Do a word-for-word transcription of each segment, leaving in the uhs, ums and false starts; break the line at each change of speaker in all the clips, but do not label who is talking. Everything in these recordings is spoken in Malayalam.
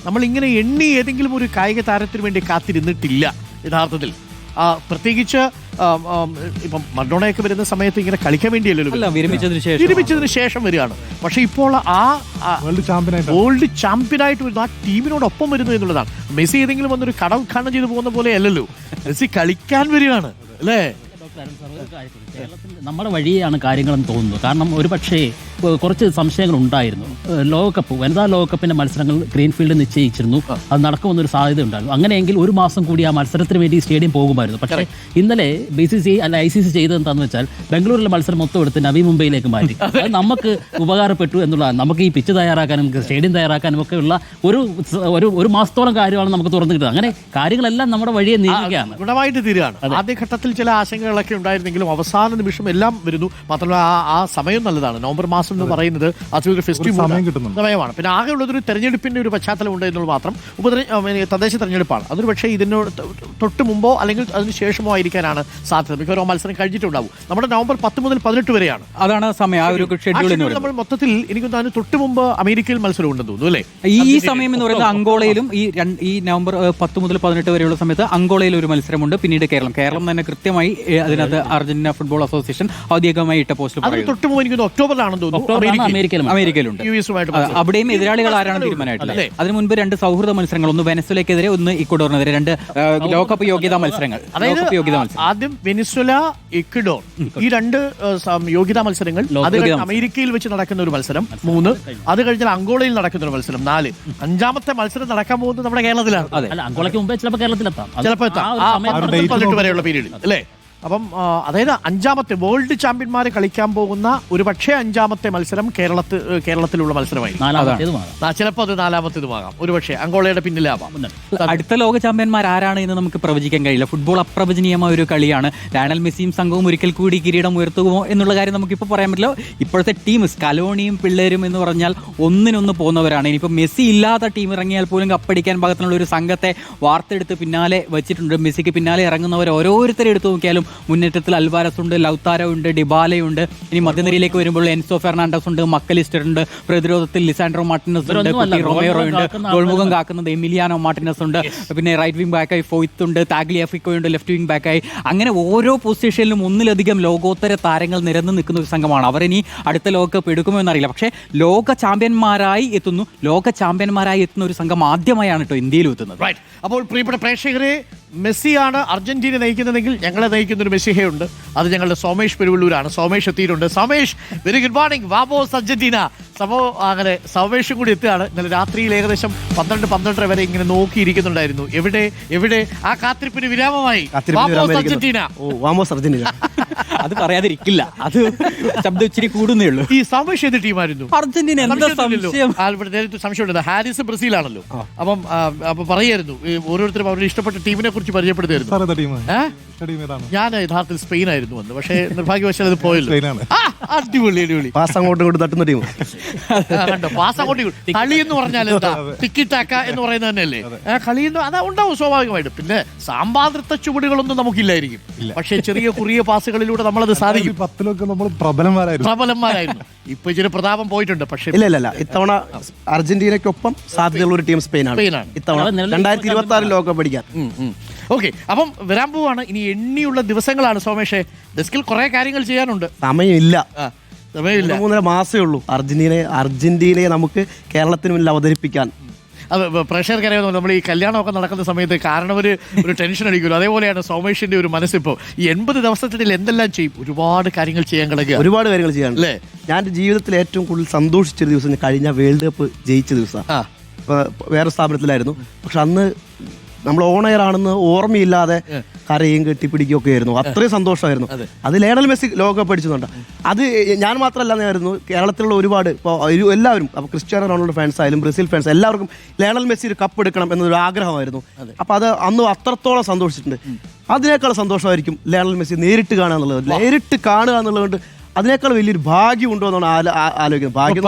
നമ്മൾ ഇങ്ങനെ എണ്ണി ഏതെങ്കിലും ഒരു കായിക താരത്തിന് വേണ്ടി കാത്തിരുന്നിട്ടില്ല യഥാർത്ഥത്തിൽ. പ്രത്യേകിച്ച് ഇപ്പം മറഡോണയൊക്കെ വരുന്ന സമയത്ത് ഇങ്ങനെ കളിക്കാൻ വേണ്ടിയല്ലോ,
വിരമിച്ചതിന് ശേഷം
വിരമിച്ചതിന് ശേഷം വരികയാണ്. പക്ഷെ ഇപ്പോൾ ആ വേൾഡ് ചാമ്പ്യനായിട്ട് വേൾഡ് ചാമ്പ്യനായിട്ട് വരുന്നു, ആ ടീമിനോടൊപ്പം വരുന്നു എന്നുള്ളതാണ്. മെസ്സി ഏതെങ്കിലും വന്നൊരു കട ഉദ്ഘാടനം ചെയ്ത് പോകുന്ന പോലെ അല്ലല്ലോ, മെസ്സി കളിക്കാൻ വരികയാണ് അല്ലേ.
കേരളത്തിൽ നമ്മുടെ വഴിയാണ് കാര്യങ്ങളെന്ന് തോന്നുന്നു. കാരണം ഒരു പക്ഷേ കുറച്ച് സംശയങ്ങൾ ഉണ്ടായിരുന്നു. ലോകകപ്പ് വനിതാ ലോകകപ്പിന്റെ മത്സരങ്ങൾ ഗ്രീൻഫീൽഡ് നിശ്ചയിച്ചിരുന്നു, അത് നടക്കുമെന്നൊരു സാധ്യത ഉണ്ടായിരുന്നു. അങ്ങനെയെങ്കിൽ ഒരു മാസം കൂടി ആ മത്സരത്തിന് വേണ്ടി സ്റ്റേഡിയം പോകുമായിരുന്നു. പക്ഷേ ഇന്നലെ ബി സി സി അല്ല ഐ സി സി ചെയ്തത് എന്താണെന്ന് വെച്ചാൽ ബംഗളൂരിലെ മത്സരം മൊത്തം എടുത്ത് നവി മുംബൈയിലേക്ക് മാറ്റി. അത് നമുക്ക് ഉപകാരപ്പെട്ടു എന്നുള്ളതാണ്. നമുക്ക് ഈ പിച്ച് തയ്യാറാക്കാനും സ്റ്റേഡിയം തയ്യാറാക്കാനും ഒക്കെ ഉള്ള ഒരു ഒരു ഒരു മാസത്തോളം കാര്യമാണ് നമുക്ക് തുറന്നു കിട്ടുന്നത്. അങ്ങനെ കാര്യങ്ങളെല്ലാം നമ്മുടെ വഴിയെ നീങ്ങുകയാണ്,
ഗുണമായിട്ട് തീരുകയാണ്. ആദ്യഘട്ടത്തിൽ ചില ആശങ്കകളൊക്കെ ഉണ്ടായിരുന്നെങ്കിലും അവസാന നിമിഷം എല്ലാം വരുന്നു. മാത്രമല്ല ആ ആ സമയം നല്ലതാണ്. നവംബർ മാസം എന്ന് പറയുന്നത് അതൊരു ഫെസ്റ്റിവൽ സമയമാണ്. പിന്നെ ആകെ ഉള്ളതൊരു തെരഞ്ഞെടുപ്പിന്റെ ഒരു പശ്ചാത്തലം ഉണ്ട് എന്നുള്ളത് മാത്രം. ഉപതെര തദ്ദേശ തെരഞ്ഞെടുപ്പാണ്. അതൊരു പക്ഷേ ഇതിനോട് തൊട്ട് മുമ്പോ അല്ലെങ്കിൽ അതിന് ശേഷമോ ആയിരിക്കാനാണ് സാധ്യത. മിക്കവാറും മത്സരം കഴിഞ്ഞിട്ടുണ്ടാവും. നമ്മുടെ നവംബർ പത്ത് മുതൽ പതിനെട്ട് വരെയാണ്, അതാണ് സമയം. ആ ഒരു ഷെഡ്യൂൾ നമ്മൾ മൊത്തത്തിൽ എനിക്ക് തോന്നുന്നു തൊട്ട് മുമ്പ് അമേരിക്കയിൽ മത്സരം ഉണ്ടെന്ന് തോന്നുന്നു അല്ലേ.
ഈ സമയം എന്ന് പറയുന്നത് അങ്കോളയിലും ഈ ഈ നവംബർ പത്ത് മുതൽ പതിനെട്ട് വരെയുള്ള സമയത്ത് അങ്കോളയിൽ ഒരു മത്സരമുണ്ട്. പിന്നീട് കേരളം കേരളം തന്നെ കൃത്യമായി അതിനകത്ത് അർജന്റീന ഫുട്ബോൾ അസോസിയേഷൻ ഔദ്യോഗികമായി ഇട്ട പോസ്റ്റ്
തൊട്ട് മുമ്പ് എനിക്ക് ഒക്ടോബറിലാണെന്ന് തോന്നുന്നു
അമേരിക്കയിലുണ്ട്. അവിടെയും എതിരാളികൾ ആരാണ് തീരുമാനമായിട്ടില്ല. അതിനു മുൻപ് രണ്ട് സൗഹൃദ മത്സരങ്ങൾ, ഒന്ന് വെനസ്വലയ്ക്കെതിരെ ഒന്ന് ഇക്വഡോറിനെതിരെ, രണ്ട് ലോകകപ്പ് യോഗ്യതാ മത്സരങ്ങൾ.
അതായത് ആദ്യം വെനിസ്വല, ഇക്വഡോർ ഈ രണ്ട് യോഗ്യതാ മത്സരങ്ങൾ. അത് അമേരിക്കയിൽ വെച്ച് നടക്കുന്ന ഒരു മത്സരം മൂന്ന്. അത് കഴിഞ്ഞാൽ അങ്കോളയിൽ നടക്കുന്ന ഒരു മത്സരം നാല്. അഞ്ചാമത്തെ മത്സരം നടക്കാൻ പോകുന്നത് നമ്മുടെ കേരളത്തിലാണ്.
അങ്കോളയ്ക്ക് മുമ്പേ ചിലപ്പോൾ കേരളത്തിലെത്താം,
ചിലപ്പോൾ എത്താം വരെയുള്ള പീരീഡിൽ അല്ലേ. അപ്പം അതായത് അഞ്ചാമത്തെ വേൾഡ് ചാമ്പ്യന്മാരെ കളിക്കാൻ പോകുന്ന ഒരു പക്ഷേ അഞ്ചാമത്തെ മത്സരം കേരളത്തിൽ കേരളത്തിലുള്ള മത്സരമായി. ചിലപ്പോൾ അത് നാലാമത്തേതുമാകാം, ഒരു പക്ഷേ അങ്കോളയുടെ പിന്നിലാവാം.
അടുത്ത ലോക ചാമ്പ്യന്മാർ ആരാണ് എന്ന് നമുക്ക് പ്രവചിക്കാൻ കഴിയില്ല. ഫുട്ബോൾ അപ്രവചനീയമായ ഒരു കളിയാണ്. ലയണൽ മെസ്സിയും സംഘവും ഒരിക്കൽ കൂടി കിരീടം ഉയർത്തുമോ എന്നുള്ള കാര്യം നമുക്കിപ്പോൾ പറയാൻ പറ്റില്ല. ഇപ്പോഴത്തെ ടീം സ്കലോണിയും പിള്ളേരും എന്ന് പറഞ്ഞാൽ ഒന്നിനൊന്ന് പോകുന്നവരാണ്. ഇനിയിപ്പോൾ മെസ്സി ഇല്ലാത്ത ടീം ഇറങ്ങിയാൽ പോലും കപ്പടിക്കാൻ പാകത്തിനുള്ള ഒരു സംഘത്തെ വാർത്തെടുത്ത് പിന്നാലെ വെച്ചിട്ടുണ്ട്. മെസ്സിക്ക് പിന്നാലെ ഇറങ്ങുന്നവർ ഓരോരുത്തരെ എടുത്തു നോക്കിയാലും മുന്നേറ്റത്തിൽ അൽവാരസ് ഉണ്ട്, ലൗതാരോ ഉണ്ട്, ഡിബാലയുണ്ട്. ഇനി മധ്യനിരയിലേക്ക് വരുമ്പോൾ എൻസോ ഫെർണാണ്ടസ് ഉണ്ട്, മക്കലിസ്റ്റർ ഉണ്ട്. പ്രതിരോധത്തിൽ ലിസാൻഡ്രോ മാർട്ടിനസ് ഉണ്ട്, റൊമേറോ ഉണ്ട്. ഗോൾമുഖം കാക്കുന്നത് എമിലിയാനോ മാർട്ടിനസ് ഉണ്ട്. പിന്നെ റൈറ്റ് വിംഗ് ബാക്കായി ഫോയ്ത്ത് ഉണ്ട്, താഗ്ലിയാഫിക്കോ ഉണ്ട് ലെഫ്റ്റ് വിംഗ് ബാക്കായി. അങ്ങനെ ഓരോ പൊസിഷനിലും ഒന്നിലധികം ലോകോത്തര താരങ്ങൾ നിരന്ന് നിൽക്കുന്ന ഒരു സംഘമാണ്. അവരിനി അടുത്ത ലോകകപ്പ് എടുക്കുമോ എന്നറിയില്ല. പക്ഷേ ലോക ചാമ്പ്യന്മാരായി എത്തുന്നു ലോക ചാമ്പ്യന്മാരായി എത്തുന്ന ഒരു സംഘം ആദ്യമായാണ് കേട്ടോ ഇന്ത്യയിലും എത്തുന്നത്.
അപ്പോൾ പ്രിയപ്പെട്ട പ്രേക്ഷകരെ, മെസ്സിയാണ് അർജന്റീന നയിക്കുന്നതെങ്കിൽ ഞങ്ങളെ നയിക്കുന്ന ഒരു മെസ്സിഹയുണ്ട്. അത് ഞങ്ങളുടെ സോമേഷ് പെരുവള്ളൂരാണ്. സോമേഷ് എത്തിയിട്ടുണ്ട്. Somesh, very good morning. വാമോസ് അർജന്റീന. സംഭവം അങ്ങനെ സോമേഷും കൂടി എത്തുകയാണ്. ഇന്നലെ രാത്രിയിൽ ഏകദേശം പന്ത്രണ്ട് പന്ത്രണ്ടര വരെ ഇങ്ങനെ നോക്കിയിരിക്കുന്നുണ്ടായിരുന്നു. എവിടെ എവിടെ ആ കാത്തിരിപ്പിന് വിരാമമായി. വാമോസ് അർജന്റീന.
വാമോസ് അർജന്റീന
അത് പറയാതിരിക്കില്ല, അത് ശബ്ദം ഇച്ചിരി കൂടുന്നേ ഉള്ളൂ.
ഈ സോമേഷ് ഏത് ടീമായിരുന്നു?
അർജന്റീന.
നേരത്തെ സംശയമുണ്ട്, ഹാരിസ് ബ്രസീലാണല്ലോ. അപ്പം അപ്പൊ പറയായിരുന്നു ഓരോരുത്തരും അവരുടെ ഇഷ്ടപ്പെട്ട ടീമിനെ കുറിച്ച് പരിചയപ്പെടുത്തായിരുന്നു. ഞാൻ യഥാർത്ഥത്തിൽ സ്പെയിൻ ആയിരുന്നു വന്ന്, പക്ഷേ നിർഭാഗ്യവശാൽ അത് പോയല്ലോ. അടിപൊളി അടിപൊളി
പാസ് അങ്ങോട്ട് ഇങ്ങോട്ട് തട്ടുന്ന ടീം
കണ്ടോ. പാസ് അങ്ങോട്ട് കളി എന്ന് പറഞ്ഞാൽ എന്താ, ടിക്കി ടാക്ക എന്ന് പറയുന്നത് തന്നെയല്ലേ കളി. അതാ ഉണ്ടാവും സ്വാഭാവികമായിട്ടും. പിന്നെ സാമ്പാദ്രത്ത ചുവടുകളൊന്നും നമുക്കില്ലായിരിക്കും, പക്ഷേ ചെറിയ കുറിയ പാസുകളിലൂടെ നമ്മളത് സാധിക്കും.
പത്തിലൊക്കെ നമ്മൾ പ്രബലന്മാരായിരുന്നു
പ്രബലന്മാരായിരുന്നു ഇപ്പൊ ഇച്ചിരി പ്രതാപം പോയിട്ടുണ്ട്. പക്ഷേ
ഇല്ല ഇല്ല ഇത്തവണ അർജന്റീനയ്ക്കൊപ്പം സാധ്യതയുള്ള ഒരു ടീം സ്പെയിനാണ്.
സ്പെയിനാണ്
ഇത്തവണ രണ്ടായിരത്തി ഇരുപത്തി ആറ് ലോകകപ്പ് പഠിക്കാൻ.
ഓക്കെ, അപ്പം വരാൻ പോവാണ്. ഇനി എണ്ണിയുള്ള ദിവസങ്ങളാണ് സോമേഷേ. ഡെസ്കിൽ കുറെ കാര്യങ്ങൾ ചെയ്യാനുണ്ട്.
സമയമില്ല
സമയമില്ല
മൂന്നര മാസമേ ഉള്ളൂ അർജന്റീനയെ അർജന്റീനയെ നമുക്ക് കേരളത്തിന് മുന്നിൽ അവതരിപ്പിക്കാൻ.
അത് പ്രേക്ഷകർക്കറിയാമോ, നമ്മൾ ഈ കല്യാണമൊക്കെ നടക്കുന്ന സമയത്ത് കാരണം ഒരു ഒരു ടെൻഷൻ അടിക്കുമല്ലോ, അതേപോലെയാണ് സോമേഷിന്റെ ഒരു മനസ്സിപ്പോൾ. ഈ എൺപത് ദിവസത്തിനിടയിൽ എന്തെല്ലാം ചെയ്യും? ഒരുപാട് കാര്യങ്ങൾ ചെയ്യാൻ കിടക്കുക,
ഒരുപാട് കാര്യങ്ങൾ ചെയ്യാൻ അല്ലേ. ഞാൻ എൻ്റെ ജീവിതത്തിൽ ഏറ്റവും കൂടുതൽ സന്തോഷിച്ചൊരു ദിവസം കഴിഞ്ഞ വേൾഡ് കപ്പ് ജയിച്ച ദിവസമാണ്. വേറെ സ്ഥാപനത്തിലായിരുന്നു, പക്ഷെ അന്ന് നമ്മൾ ഓൺ എയർ ആണെന്ന് ഓർമ്മയില്ലാതെ കരയും കെട്ടിപ്പിടിക്കുകയും ഒക്കെ ആയിരുന്നു. അത്രയും സന്തോഷമായിരുന്നു. അത് ലയണൽ മെസ്സി ലോകകപ്പ് അടിച്ചുകൊണ്ട് അത് ഞാൻ മാത്രമല്ലായിരുന്നു, കേരളത്തിലുള്ള ഒരുപാട് ഇപ്പോൾ എല്ലാവരും, അപ്പോൾ ക്രിസ്ത്യാനോ റൊണാൾഡോ ഫാൻസ് ആയാലും ബ്രസീൽ ഫാൻസ് എല്ലാവർക്കും ലയണൽ മെസ്സി ഒരു കപ്പ് എടുക്കണം എന്നൊരു ആഗ്രഹമായിരുന്നു. അപ്പോൾ അത് അന്ന് അത്രത്തോളം സന്തോഷിച്ചിട്ടുണ്ട്. അതിനേക്കാൾ സന്തോഷമായിരിക്കും ലയണൽ മെസ്സി നേരിട്ട് കാണുക എന്നുള്ളത്. നേരിട്ട് കാണുക എന്നുള്ളതുകൊണ്ട് അതിനേക്കാൾ വലിയൊരു ഭാഗ്യം ഉണ്ടോ എന്നാണ് ആലോചിക്കുന്നത്. ഭാഗ്യം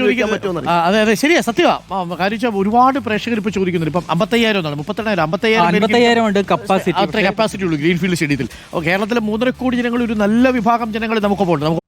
അതെ അതെ ശരിയാ, സത്യമാണ്. കാര്യം ഒരുപാട് പ്രേക്ഷകർ ഇപ്പൊ ചോദിക്കുന്നുണ്ട്. ഇപ്പം അമ്പത്തയ്യായിരം എന്നാണ്, മുപ്പത്തെണ്ണായിരം
അമ്പത്തയ്യായിരം ഉണ്ട് കപ്പാസിറ്റി.
അത്ര കപ്പാസിറ്റി ഉള്ളൂ ഗ്രീൻഫീൽഡ് സ്റ്റേഡിയത്തിൽ. കേരളത്തിലെ മൂന്നര കോടി ജനങ്ങൾ, ഒരു നല്ല വിഭാഗം ജനങ്ങൾ നമുക്കൊപ്പം ഉണ്ട്.